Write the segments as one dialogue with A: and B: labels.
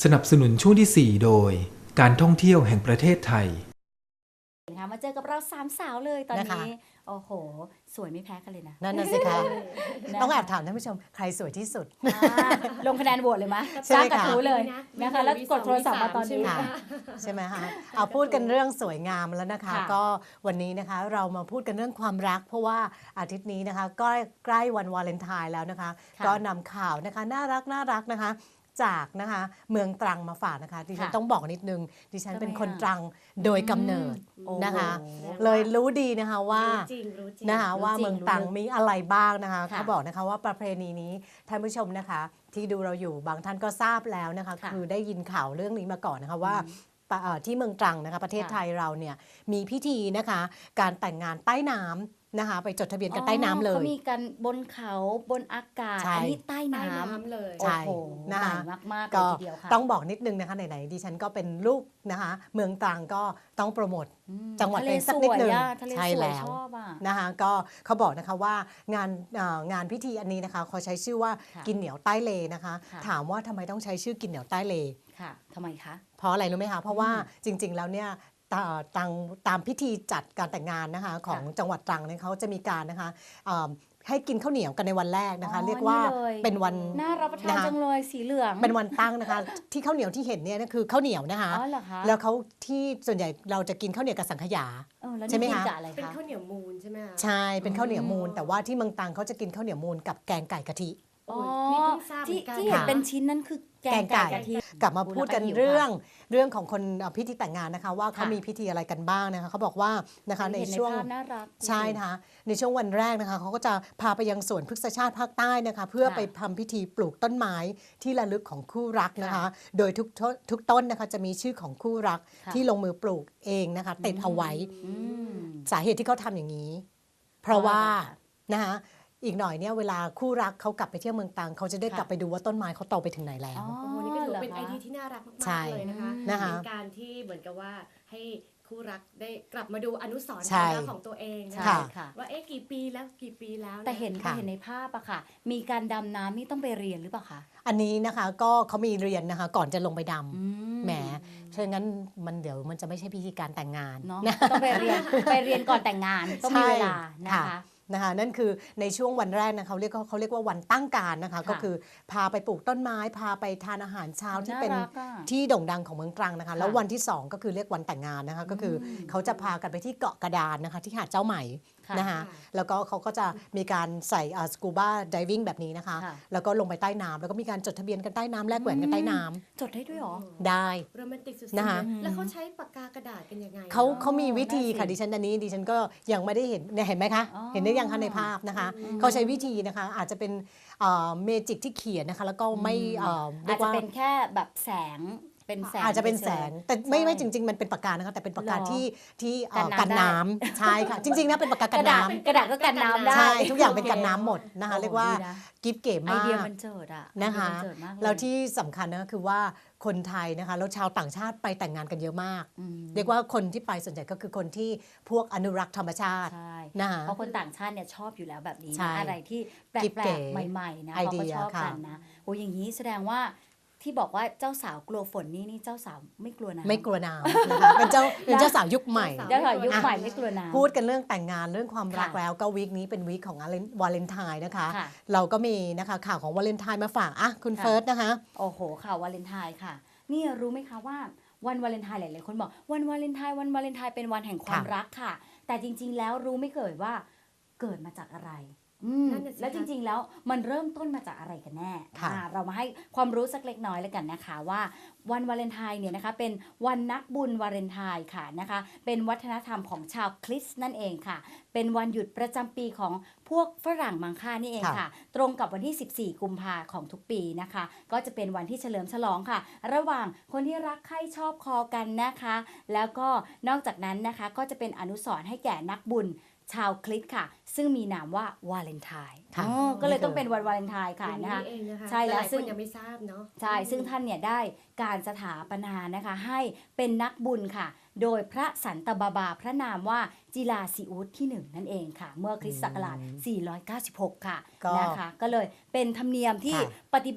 A: สนับสนุนช่วงที่ 4 โดยการท่องเที่ยวแห่งประเทศไทย
B: มาเจอกับเรา3 สาวเลยตอน
C: นะคะ
B: นี้โอ้โหสวยไม่แพ้กันเลยนะ
C: นั่นน่ะสิคะ
B: นะ
C: ต้องแอบถามท่านผู้ชมใครสวยที่สุด
B: ลงคะแนนโหวตเลยมั้ย
C: ใช่
B: จ้าง
C: ไหม
B: กระ
C: คะ
B: ทู้เลยนะคะแล้วกดโทรศัพท์มาตอนนี้
C: ค่ะใช่ไหมคะเอาพูดกันเรื่องสวยงามแล้วนะคะ
B: ค่ะ
C: ก็วันนี้นะคะเรามาพูดกันเรื่องความรัก เพราะว่าอาทิตย์นี้นะคะก็ใกล้วันวาเลนไทน์แล้วนะคะ ก็นำข่าวนะคะน่ารักนะคะจากนะคะเมืองตรังมาฝากนะคะดิฉันต้องบอกนิดนึงดิฉันเป็นคนตรังโดยกำเนิดนะคะ เลยรู้ดีนะคะว่านะคะว่าเมืองตรังมีอะไรบ้างนะคะเขาบอกนะคะว่าประเพณีนี้ท่านผู้ชมนะคะที่ดูเราอยู่บางท่านก็ทราบแล้วนะคะคือได้ยินข่าวเรื่องนี้มาก่อนนะคะว่าที่เมืองตรังนะคะประเทศไทยเราเนี่ยมีพิธีนะคะการแต่งงานใต้น้ำนะคะไปจดทะเบียนกันใต้น้ำเลย
B: เขามีกันบนเขาบนอากาศอันนี้ใต้น้ำ
D: เลย
C: ใช่
B: โอ้โห
C: นะคะ
B: ใหม่มากๆเลย
C: ก็
B: ทีเดียวค่ะ
C: ต้องบอกนิดนึงนะคะไหนๆดิฉันก็เป็นลูกนะคะเมืองตรังก็ต้องโปรโมทจังหวัดเองสักนิดนึง
B: ทะเล
C: ใช่
B: สวย
C: แล้ว
B: ชอบอ่ะ
C: นะคะก็เขาบอกนะคะว่างานพิธีอันนี้นะคะเขาใช้ชื่อว่า
B: ค่ะ
C: กินเหนียวใต้เลนะคะ
B: ค่ะ
C: ถามว่าทำไมต้องใช้ชื่อกินเหนียวใต้เล
B: ค่ะทำไมคะ
C: เพราะอะไรรู้ไหมคะเพราะว่าจริงๆแล้วเนี่ยตามพิธีจัดการแต่งงานนะคะของจังหวัดตรังเนี่ยเขาจะมีการนะคะให้กินข้าวเหนียวกันในวันแรกนะคะ เรียกว่าเป็นวัน
B: น่ารับประทานจังเลยสีเหลือง
C: เป็นวันตั้งนะคะ ที่ข้าวเหนียวที่เห็นเนี่ยคือข้าวเหนียวนะคะ
B: อ๋อเหรอคะ
C: แล้วเขาที่ส่วนใหญ่เราจะกินข้าวเหนียวกับสังขยา
B: แล้ว
C: ใช่ไหม
B: นี่กิ
C: คะ
B: นกับอะไร
D: เป็น
B: คะ
D: ข้าวเหนียวมูนใช่ไหมคะ
C: ใช่เป็นข้าวเหนียวมูนแต่ว่าที่เมืองตรังเขาจะกินข้าวเหนียวมูนกับแกงไก่กะทิ
B: อ๋อ
D: นี่เพิ่งทราบเหมื
B: ที่
D: อนกัน
B: ที่เห็นเป็นชิ้นนั้นคือแกงไก่กะทิ
C: กลับมาพูดกัน
B: หิว
C: เรื่
B: ค่ะ
C: องของคนพิธีแต่งงานนะคะว่าเขา
B: ค่ะ
C: มีพิธีอะไรกันบ้างนะคะเขาบอกว่านะคะใน
B: เห็น
C: ช่วง
B: ภาพน่ารัก
C: ใช่นะคะในช่วงวันแรกนะคะเขาก็จะพาไปยังสวนพฤกษชาติภาคใต้นะคะเพื่อไปทำพิธีปลูกต้นไม้ที่ระลึกของคู่รักนะคะ โดยทุกต้นนะคะจะมีชื่อของคู่รัก
B: ค่ะ
C: ที่ลงมือปลูกเองนะคะติดเอาไว้
B: อืม
C: สาเหตุที่เขาทำอย่างนี้ เพราะว่า
B: เพราะอะไรคะ
C: นะคะอีกหน่อยเนี่ยเวลาคู่รักเขากลับไปเที่ยวเมืองตรังเขาจะได้
B: ค่ะ
C: กลับไปดูว่าต้นไม้เขาโตไปถึงไหนแล้ว
B: อ๋อ
D: โอ้โหนี่ก็ถือ
B: หร
D: เป็นไอ
B: คะ
D: เดียที่น่ารักมา
C: ใช่
D: กๆเลยนะคะ
C: นะคะ
D: เป็นการที่เหมือนกับว่าให้คู่รักได้กลับมาดูอนุสรณ์
C: ใช่
D: ความรักของตัวเองนะ
B: ใช่
C: ค่ะ
B: ค่ะ
D: ว่ากี่ปีแล้วกี่ปีแล้วะ
B: แต่เห็น
C: ค่ะ
B: ในภาพอะค่ะ มีการดำน้ำนี่ต้องไปเรียนหรือเปล่าคะ
C: อันนี้นะคะก็เขามีเรียนนะคะก่อนจะลงไปด
B: อื
C: ำแหมเพราะงั้นเดี๋ยวมันจะไม่ใช่พิธีการแต่งงาน
B: เนาะ
C: นะ
B: ต้องไปเรียนก่อนแต่งงานต้องมีเวลานะคะ
C: นะคะนั่นคือในช่วงวันแรกนะคะเขาเรียกว่าวันตั้งการนะคะ
B: ค่ะ
C: ก็คือพาไปปลูกต้นไม้พาไปทานอาหารเช้าที่เป็น
B: น่ารักอะ
C: ที่โด่งดังของเมืองตรังนะคะ
B: ค่ะ
C: แล้ววันที่ 2 ก็คือเรียกวันแต่งงานนะคะก็คือเขาจะพากันไปที่เกาะกระดานนะคะที่หาดเจ้าใหม่
B: ค่ะ
C: นะคะแล้วก็เขาก็จะมีการใส่สกูบ้าไดวิ่งแบบนี้นะคะ
B: ค่ะ
C: แล้วก็ลงไปใต้น้ำแล้วก็มีการจดทะเบียนกันใต้น้ำแลกแหวนกันใต้น้ำ
B: จดได้ด้วยเหรอ
C: ได้
D: โรแมนติกสุด
C: นะคะ
D: ๆแล้วเขาใช้ปากกากระดาษกันยังไง
C: เขามีวิธีค่ะ
B: ได้สิ
C: ดิฉันก็ยังไม่ได้เห็นเนี่ยเห็นไหมคะ
B: อ๋อ
C: เห็นได้ยังคะในภาพนะคะเขาใช้วิธีนะคะอาจจะเป็นเมจิกที่เขียนนะคะแล้วก็ไม่เรี
B: อาย จ
C: ก
B: จะ
C: ว่า
B: เป็นแค่แบบแสงเป็นแสง
C: อาจจะเป็นแสง แต่ไม่
B: ใช่
C: จริง ๆ มันเป็นปากกานะคะแต่เป็นปากกา
B: หรอ
C: ที่
B: กันน้ำ
C: กันน้ำใช่ค่ะ จริงๆนะเป็นปากกา
B: ก
C: กัน
B: ระดาษ
C: น้ำ
B: กระดาษก็กันน้ำได้
C: ใช่ทุกอย่างเป็นกันน้ำหมดนะคะ
B: โอ้โห
C: เรียกว่า
B: ดีนะ
C: กิฟต์เก๋
B: ไอ
C: มา
B: เดีย
C: ก
B: มันเจิดอะ
C: นะคะ
B: ไอเดียมันเจิดมากเลย
C: แล้วที่สำคัญนะคือว่าคนไทยนะคะแล้วชาวต่างชาติไปแต่งงานกันเยอะมาก
B: อืม
C: เรียกว่าคนที่ไปส่วนใหญ่ก็คือคนที่พวกอนุรักษ์ธรรมชาติ
B: ใช่
C: นะคะ
B: เพราะคนต่างชาติเนี่ยชอบอยู่แล้วแบบนี้
C: ใช่
B: นะอะไรที่แป
C: กิ๊บ
B: ล
C: เก๋
B: กๆใหม่ๆนะ
C: ไอ
B: เขา
C: เดี
B: ก็
C: ย
B: ชอบ
C: ค่ะ
B: กันนะโอ้อย่างนี้แสดงว่าที่บอกว่าเจ้าสาวกลัวฝนนี่เจ้าสาวไม่กลัวน้ำ
C: ไม่กลัวน้ำนะคะเป็นเจ้าสาวยุคใหม่
B: เจ้าสาวยุคใหม่ไม่กลัวน้ำ
C: พูดกันเรื่องแต่งงานเรื่องความรัก
B: ค่ะ
C: แล้วก็วีคนี้เป็นวีคของวาเลนไทน์นะคะ
B: ค่ะ
C: เราก็มีนะคะข่าวของวาเลนไทน์มาฝากอ่ะคุณ
B: ค่ะ
C: เฟิร์สนะคะ
B: โอ้โหข่าววาเลนไทน์ค่ะนี่รู้ไหมคะว่าวันวาเลนไทน์หลายๆคนบอกวันวาเลนไทน์เป็นวันแห่งความ
C: ค่ะ
B: รักค่ะ แต่จริง ๆ แล้วรู้ไม่เกิดว่าเกิดมาจากอะไรแล้วจริง ๆ แล้วมันเริ่มต้นมาจากอะไรกันแน่เรามาให้ความรู้สักเล็กน้อยแล้วกันนะคะว่าวันวาเลนไทน์เนี่ยนะคะเป็นวันนักบุญวาเลนไทน์ค่ะนะคะเป็นวัฒนธรรมของชาวคริสต์นั่นเองค่ะเป็นวันหยุดประจำปีของพวกฝรั่งมังค่านี่เองค่ะ ตรงกับวันที่ 14 กุมภาของทุกปีนะคะ ก็จะเป็นวันที่เฉลิมฉลองค่ะ ระหว่างคนที่รักใคร่ชอบคอกันนะคะ แล้วก็นอกจากนั้นนะคะก็จะเป็นอนุสรณ์ให้แก่นักบุญชาวคริสต์ค่ะ ซึ่งมีนามว่าวาเลนไทน์
C: ค่ะ
B: ก็เลยต้องเป็นวันวาเลนไทน์ค่ะ
D: อย่าง
B: นะคะ
D: เองนะคะ
B: ใช่แล้ว
D: หายๆ
B: ซึ่
D: ค
B: ง
D: นยังไม่ทราบเนาะ
B: ใช่ซึ่งท่านเนี่ยได้การสถาปนานะคะให้เป็นนักบุญค่ะ โดยพระสันตบาบาพระนามว่าจิลาซีอุสที่ 1 นั่นเองค่ะ เมื่อคริสต์ศักราช 496 ค่ะ
C: ก็
B: นะคะก็เลยเป็นธรรมเนียมที่
C: ค่ะ
B: ปฏิบัติ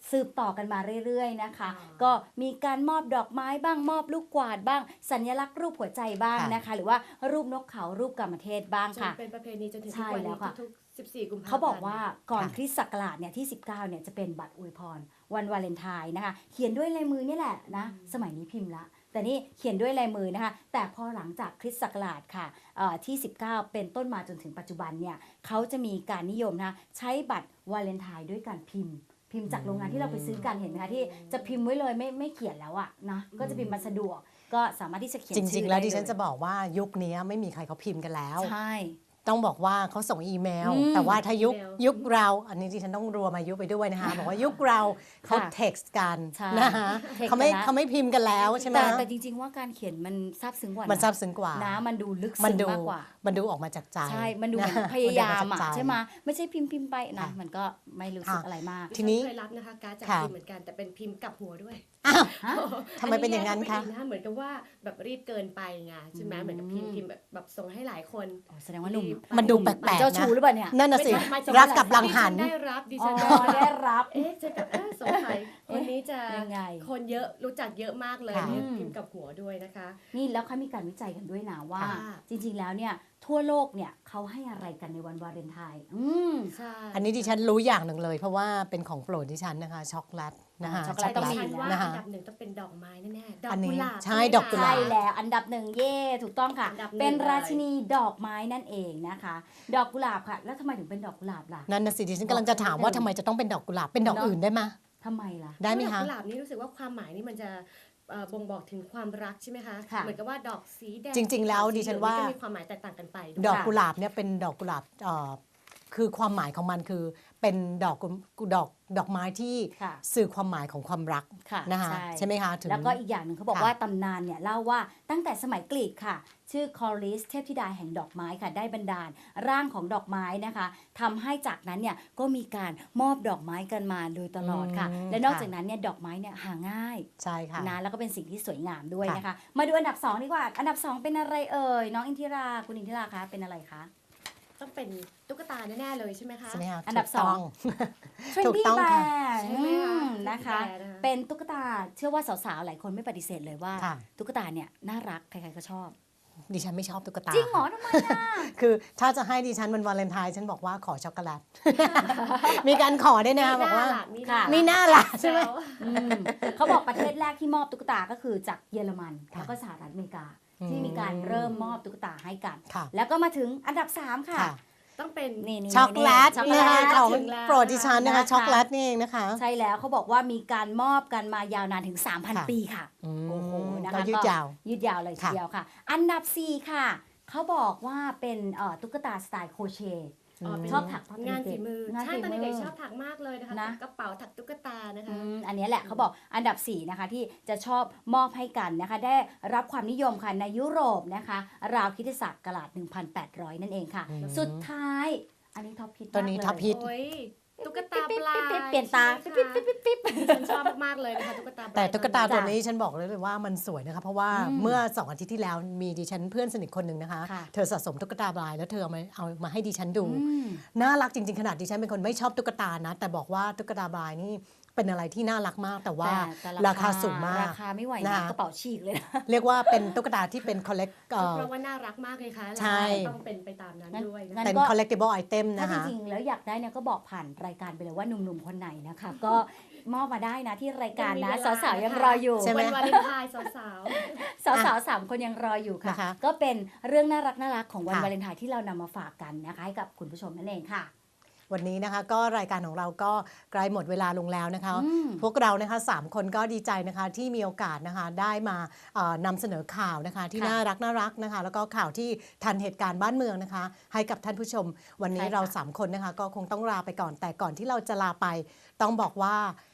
B: สืบต่อกันมาเรื่อยๆนะคะ
D: อ๋อ
B: ก็มีการมอบดอกไม้บ้างมอบลูกกวาดบ้าง สัญลักษณ์รูปหัวใจบ้างนะคะ หรือว่ารูปนกเขารูปกามเทศบ้าง
D: จน
B: ค่ะ
D: เป็นประเพณีจนถึง
B: ใช่
D: ทุกวัน
B: แล้
D: นี้
B: วค่ะ
D: ทุกๆ14 กุมภาพันธ์
B: เขาบอกว่าก่อน
C: ค่ะ
B: คริสต์ศักราชเนี่ยที่ 19เนี่ยจะเป็นบัตรอวยพรวันวาเลนไทน์นะคะ เขียนด้วยลายมือนี่แหละนะสมัยนี้พิมพ์ละ แต่นี่เขียนด้วยลายมือนะคะ แต่พอหลังจากคริสต์ศักราชค่ะที่ 19 เป็นต้นมาจนถึงปัจจุบันเนี่ยเขาจะมีการนิยมนะคะใช้บัตรวาเลนไทน์ด้วยการพิมพ์จากโรงงานที่เราไปซื้อกันเห็นไหมคะที่จะพิมพ์ไว้เลยไม่เขียนแล้วอะนะก็จะพิมพ์มาสะดวกก็สามารถที่จะเขียน
C: จ
B: ชื่
C: ริง
B: อ
C: ๆ แล้ว
B: ได้
C: ดิฉัน
B: เลย
C: จะบอกว่ายุคนี้ไม่มีใครเขาพิมพ์กันแล้ว
B: ใช่
C: ต้องบอกว่าเขาส่งอีเมล
B: อืม
C: แต่ว่าถ้ายุค
D: อีเมล
C: ยุคเราอันนี้ดิฉันต้องรวมอายุไปด้วยนะคะ บอกว่ายุคเราเขา
B: ค่ะ
C: เท็กซ์กัน
B: ใช่
C: นะคะ
B: เท็กซ์
C: เขาไม่
B: กันนะ
C: เขาไม่พิมพ์กันแล้วใช่ไหม
B: แต่จริงๆว่าการเขียนมันซาบซึ้งกว่า
C: มัน
B: นะ
C: ซาบซึ้งกว่า
B: นะมันดูลึก
C: มั
B: ซึ้ง
C: ดู
B: มากกว่า
C: มันดูออกมาจากใจ
B: ใช่ มันดูเหมือน
C: นะ
B: พยายาม
C: นดูออกจก
B: อ่ะ
C: ใจ
B: ใช่ไหมไม่ใช่พิมพ์ไปนะ
C: ค่ะ
B: มันก็ไม่รู้สึก
C: ค่ะ
B: อะไรมาก
C: ทีนี้
D: ดิฉัเคยรับนะคะการดจาก
C: ค่ะ
D: พิมพ์เหมือนกันแต่เป็นพิมพ์กลับหัวด้วย
C: อ้าว
B: ฮะ
C: ทำไมเป็นอย่างนั้นคะ
D: แย่เข้าไปอีกเหมือนกับว่าแบบรีบเกินไปไงใช่ไหมเหมือนกับพิมพ์แบบส่งให้หลายคน
B: อ๋อแสดงว่าหนุ่ม
C: มันดูแปลกๆ
B: เจ้า
C: นะ
B: ชู้หรือเปล่าเนี่ย
C: นั่นน่ะสิ
D: ไม่ใช่หมายถึง
C: รักกับหลังหัน
D: ดิฉัได้รับดิ
B: อ๋
D: ฉั
B: อน
D: ได้รับ
B: ได้รับ
D: จะแบบสงสัยคนนี้จะ
B: ยังไง
D: คนเยอะรู้จักเยอะมากเลย
C: ค่ะ
D: เนี่ยพิมพ์กับหัวด้วยนะคะ
B: นี่แล้วเขามีการวิจัยกันด้วยนะว่า
D: ค่ะ
B: จริงๆแล้วเนี่ยทั่วโลกเนี่ยเขาให้อะไรกันในวันวาเลนไทน์
D: ใช่
C: อันนี้ดิฉันรู้อย่างหนึ่งเลย เพราะว่าเป็นของโปรดดิฉันนะคะช็อกโกแลตนะคะ
B: ช็อกโกแลต
D: ต้
B: ต้
D: อ
B: อง ง
D: ฉั
B: มี
D: นว่า
C: นะคะ
D: อันดับหนึ่งต้องเป็นดอกไม้แน่ๆดอก
C: อันนี้
D: กุหลาบ
C: ใช่
D: ไหม
C: ดอกกุหลา
B: ใช่
C: บ
B: แล้วอันดับหนึ่งเย่ถูกต้องค่ะ
D: อันดับหนึ่ง
B: เป็นรา
D: เลย
B: ชินีดอกไม้นั่นเองนะคะ ดอกกุหลาบค่ะ แล้วทำไมถึงเป็นดอกกุหลาบล่ะ
C: นั่นน่ะสิดิฉันกำลังจะถามว่าทำไมจะต้องเป็นดอกกุหลาบเป็นดอก
B: เนอะ
C: อื่นได้ไหม
B: ทำไมล่ะ
C: ได้ไหม
D: ดอก
C: คะ
D: กุหลาบนี่รู้สึกว่าความหมายนี่มันจะบ่งบอกถึงความรักใช่ไหมคะ
B: ค่ะ
D: เหมือนกับว่าดอกสีแดง
C: จริงๆแล้วดิฉันว่า
D: ก็มีความหมายแตกต่างกันไปด้วย
C: ดอกกุหลาบเนี่ยเป็นดอกกุหลาบคือความหมายของมันคือเป็นดอกไม้ที่
B: ค่ะ
C: สื่อความหมายของความรัก
B: ค่ะ
C: นะคะใช่ไหมคะถึง
B: แล้วก็อีกอย่างหนึ่งเขาบอก
C: ค่ะ
B: ว่าตำนานเนี่ยเล่าว่าตั้งแต่สมัยกรีกค่ะ ชื่อคอริสเทพธิดาแห่งดอกไม้ค่ะ ได้บันดาลร่างของดอกไม้นะคะทำให้จากนั้นเนี่ยก็มีการมอบดอกไม้กันมาโดยตลอดค่ะ และนอกจากนั้นเนี่ยดอกไม้เนี่ยหาง่าย
C: ใช่ค่ะ
B: นะแล้วก็เป็นสิ่งที่สวยงามด้วย
C: ค่ะ
B: นะคะ มาดูอันดับ2ดีกว่า อันดับ 2 เป็นอะไรเอ่ยน้องอินทิราคุณอินทิราคะเป็นอะไรคะ
D: ต้องเป็นตุ๊กตาแน่ๆเลยใช่ไหมคะ
C: ใช่ไหมคะ
B: อันดับ
C: ถูกต้อง ถูก
B: Trendy
C: ต้องค่ะ
B: Bear
D: ใช่ไหมคะ
B: นะคะ
D: Trendy Bear นะคะ
B: เป็นตุ๊กตาเชื่อว่าสาวๆหลายคนไม่ปฏิเสธเลยว่า
C: ค่ะ
B: ตุ๊กตาเนี่ยน่ารักใครๆก็ชอบ
C: ดิฉันไม่ชอบตุ๊กตา
B: จริงเหรอทำไมอ่ะ
C: คือถ้าจะให้ดิฉันวันวาเลนไทน์ฉันบอกว่าขอช็อกโกแลต มีการขอด้วยนะคะบอกว่า
D: มี
B: ค่ะ
C: มีหน้าล่ะใช่ไหม
B: อืมเขาบอกประเทศแรกที่มอบตุ๊กตาก็คือจากเยอรมัน
C: ค่ะ
B: แล้วก็สหรัฐอเมริกา ที่มีการเริ่มมอบตุ๊กตาให้กัน
C: ค่ะ
B: แล้วก็มาถึงอันดับ 3 ค่ะ
C: ค่ะ
D: ต้องเป็น
B: นี่
C: ช็อกโกแลต
B: ช็อกโก
C: นะ
B: แล
C: คะ
B: ต
C: ของ
D: ถึงแล้ว
C: โปรดดิฉันนะคะ
B: นะคะ
C: ช็อกโกแลตนี่เองนะคะ
B: ใช่แล้วเขาบอกว่ามีการมอบกันมายาวนานถึง
C: ค่ะ
B: 3,000 ปีค่ะ โอ้โหนะคะ
C: ก็ยืดยาว
B: ยืดยาวเลยที
C: ค่ะ
B: เดียวค่ะ อันดับ 4 ค่ะ เขาบอกว่าเป็นตุ๊กตาสไตล์โครเชต์
D: เป็น
B: ชอบถัก
D: งานฝีมือ
B: งาน
D: ใช่
B: ฝี
D: ตอน
B: มือ
D: เด็กๆชอบถักมากเลยนะคะ
B: นะ
D: ถักกระเป๋าถักตุ๊กตานะคะ
B: อันนี้แหละเขาบอกอันดับ 4 นะคะที่จะชอบมอบให้กันนะคะ ได้รับความนิยมค่ะในยุโรปนะคะ ราวคริสตศักราช 1,800 นั่นเองค่ะ สุดท้ายอันนี้ท็อปฮิต
C: ตัวนี้
B: มากเลย
C: ท็อปฮิต
D: โอ้ยตุ๊กตาปลา
B: เปลี่ยนตา
D: ใช่ไหมคะฉันชอบมากๆเลยนะคะตุ๊กตาปลา
C: แต่ตุ๊กตา
B: จ้ะ
C: ตัวนี้ฉันบอกเลยว่ามันสวยนะคะ เพราะว่า
B: อืม
C: เมื่อ2 อาทิตย์ที่แล้วมีดิฉันเพื่อนสนิทคนหนึ่งนะคะ
B: ค่ะ
C: เธอสะสมตุ๊กตาบลายแล้วเธอเอามาให้ดิฉันดู
B: อืม
C: น่ารักจริงๆขนาดดิฉันเป็นคนไม่ชอบตุ๊กตานะ แต่บอกว่าตุ๊กตาบลายนี่เป็นอะไรที่น่ารักมากแต่ว่า
B: แต่
C: ราคาสูงมาก
B: ราคาไม่ไหว
C: นะ
B: นะคะ กระเป๋าฉีกเลยนะ
C: เรียกว่าเป็นตุ๊กตาที่เป็นคอลเลก
D: เพราะว่าน่ารักมากเลยค่ะ
C: ใช่
D: ต้องเป็นไปตามนั้นด้วยนะ
B: งั้
C: เป็น
B: ก็
C: collectible item
B: ถ้า
C: นะ
B: จ
C: คะ
B: ริงๆ แล้วอยากได้เนี่ยก็บอกผ่านรายการไปเลยว่าหนุ่มๆ คนไหนนะคะ ก็มอบมาได้นะที่รายการนะ สาวๆ ยังรออยู่
C: ใช่ไหม
D: วันวาเลนไทน์สาว
B: สาวๆ 3 คนยังรออยู่ค่ะ
C: นะคะ
B: ก็เป็นเรื่องน่ารักๆ ของวัน
C: ค่ะ
B: วาเลนไทน์ที่เรานำมาฝากกันนะคะให้กับคุณผู้ชมนั่นเองค่ะ
C: วันนี้นะคะก็รายการของเราก็ใกล้หมดเวลาลงแล้วนะคะ
B: อืม
C: พวกเรานะคะ3 คนก็ดีใจนะคะที่มีโอกาสนะคะได้มานำเสนอข่าวนะคะที่
B: ค่ะ
C: น่ารักนะคะแล้วก็ข่าวที่ทันเหตุการณ์บ้านเมืองนะคะ ให้กับท่านผู้ชม วันนี้
B: ใช่ค่ะ
C: เรา3 คนนะคะก็คงต้องลาไปก่อน แต่ก่อนที่เราจะลาไปต้องบอกว่า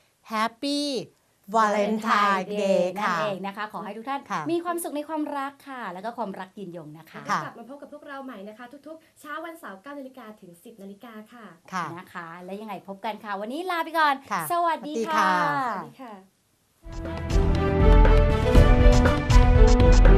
C: Happy Valentine Day
B: นั่น
C: ค่ะ
B: เองนะคะ ขอให้ทุกท่าน
C: ค่ะ
B: มีความสุขในความรักค่ะ แล้วก็ความรักยืนยงนะคะ
C: ค่ะ
D: กลับมาพบกับพวกเราใหม่นะคะ ทุกๆ เช้าวันเสาร์ 9 นาฬิกาถึง 10 นาฬิกาค่ะ
C: ค่ะ
B: นะคะ และยังไงพบกันค่ะ วันนี้ลาไปก่อน
C: ค่ะ
B: สวัสดี
C: สวัสดี
B: ค่ะ
C: ค่ะ
D: สวัสดีค่ะ